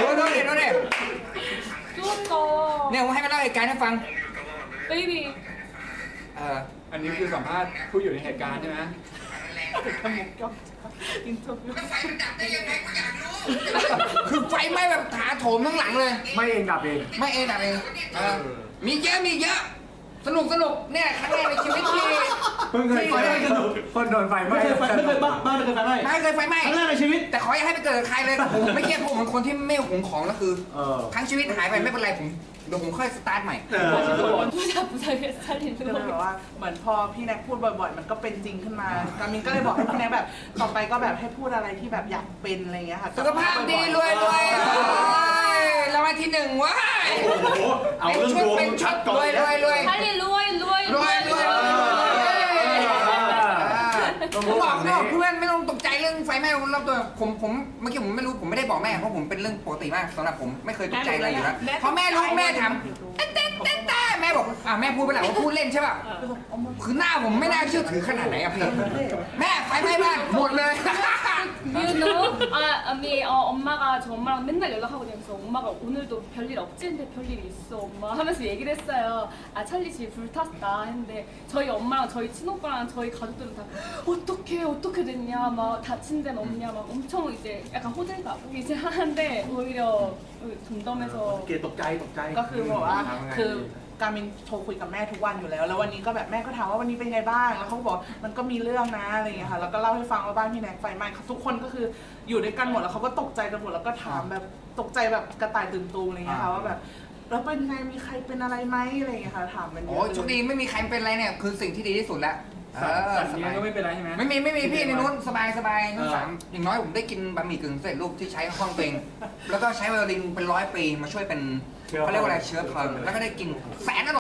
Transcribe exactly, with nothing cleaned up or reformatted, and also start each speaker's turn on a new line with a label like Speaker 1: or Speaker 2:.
Speaker 1: ดูดูดิดูดิ
Speaker 2: 쭈었다.
Speaker 1: เนี่ยผมให้มาเล่าเหตุการณ์ให้ฟัง
Speaker 2: 베이비.
Speaker 1: เออ
Speaker 3: อันนี้คือสัมภาษณ์ผู้อยู่ในเหตุการณ์ใช่ไหม
Speaker 1: คือไฟไหม้แบบถาโถมทั้งหลังเลย
Speaker 4: ไม่เองดับเอง
Speaker 1: ไม่เองดับเองเออมีเยอะมีเยอะสนุกสนุกเนี่ยครั้งแรกในชีวิตที่
Speaker 4: เพิ่งเคยไฟไหม้คนโดนไฟไหม้
Speaker 5: ไม่เคยไฟไม่เคยบ้าบ้านไม่เคยไฟไหม้
Speaker 1: ไม่เคยไฟไหม้
Speaker 5: ครั้งแรกในชีวิต
Speaker 1: แต่ขออย่าให้ไปเกิดกับใครเลยผมไม่เครียดเพราะผมเป็นคนที่ไม่หวงของแล้วคือ
Speaker 4: เออ
Speaker 1: ทั้งชีวิตหายไปไม่เป็นไรผมเดี๋ยวผมค่อยสตาร์ทใหม่
Speaker 2: 부자 부자게 살리는
Speaker 6: ก็เลยแบบ
Speaker 2: 거.
Speaker 6: ว่าเหมือนพอพี่แน็กพูดบ่อยๆ มันก็เป็นจริงขึ้นมา กามินก็เลยบอกให้พี่แน็กแบบต่อไปก็แบบให้พูดอะไรที่แบบอยากเป็นอะไรเงี้ยค่ะ
Speaker 1: สุขภาพดีรวยรวยรางวัลที่หนึ่งว้าย
Speaker 5: โอ้โหเอาเรื่องดวง
Speaker 1: เป็นชุ
Speaker 5: ชั
Speaker 1: ด
Speaker 5: ดก่อน
Speaker 1: รวยรวยรวย
Speaker 2: 빨리 루어이 루어이
Speaker 1: รวยรวยผมบอกนะเพื่อนไม่ต้องตกใจเรื่องไฟไหม้รอบตัวผมผมเมื่อกี้ผมไม่รู้ผมไม่ได้บอกแม่เพราะผมเป็นเรื่องปกติมากสำหรับผมไม่เคยตกใจอะไรอยู่แล้วพอแม่รู้แม่ถามเต้นเต้นเต้นเต้นแม่บอกอ่ะแม่พูดไปแล้วว่าพูดเล่นใช่ป่ะคือหน้าผมไม่น่าเชื่อถือขนาดไหนอะพี่แม่ไฟไหม้บ้านหมดเลย
Speaker 2: You know? 아, 아미 어, 엄마가 저 엄마랑 맨날 연락하거든요. 그래서 엄마가 오늘도 별일 없지인데 별일이 있어 엄마 하면서 얘기를 했어요. 아 찰리 집 불탔다 했는데 저희 엄마랑 저희 친오빠랑 저희 가족들은 다 어떻게 어떻게 됐냐 막 다친 데는 없냐 막 엄청 이제 약간 호들갑 이제 하는데 오히려 덤덤해서
Speaker 5: เกตตกใจตกใจ
Speaker 6: ก็คือบอกว่าคือการมินโทรคุยกับแม่ทุกวันอยู่แล้ว แล้ววันนี้ก็แบบแม่ก็ถามว่าวันนี้เป็นไงบ้าง แล้วเขาก็บอกมันก็มีเรื่องนะอะไรอย่างเงี้ยค่ะ แล้วก็เล่าให้ฟังว่าบ้านพี่แน็กไฟไหม้ทุกคนก็คืออยู่ด้วยกันหมดแล้วเขาก็ตกใจกันหมดแล้วก็ถามแบบตกใจแบบกระต่ายตื่นตูมอะไรอย่างเงี้ยค่ะว่าแบบแล้วเป็นไงมีใครเป็นอะไรไหมอะไรอย่างเงี้ยค่ะถามมันเย
Speaker 1: โอ้
Speaker 6: อะ
Speaker 1: ยโชคดีไม่มีใครเป็นอะไรเนี่ยคือสิ่งที่ดีที่สุดแล้วเออ
Speaker 3: สัตว์
Speaker 1: ส
Speaker 3: เลี้ย
Speaker 1: บาง ย
Speaker 3: ก็ไม่เป็นไรใช่ไหม
Speaker 1: ไม่มีไม่มีพี่ในนู้นสบายสบายทั้ง
Speaker 3: เออ
Speaker 1: สามอย่างน้อยผมได้กินบะหมี่กึ่งสำเร็จรูปที่ใช้ห้องตัวเองแล้วก็ใช้ไวโอลินเป็นร้อยปีมาช่วยเป็นเขาเรียกว่าอะไรเชื้อเพลิงแล้วก็ได้กินแสนอร่อย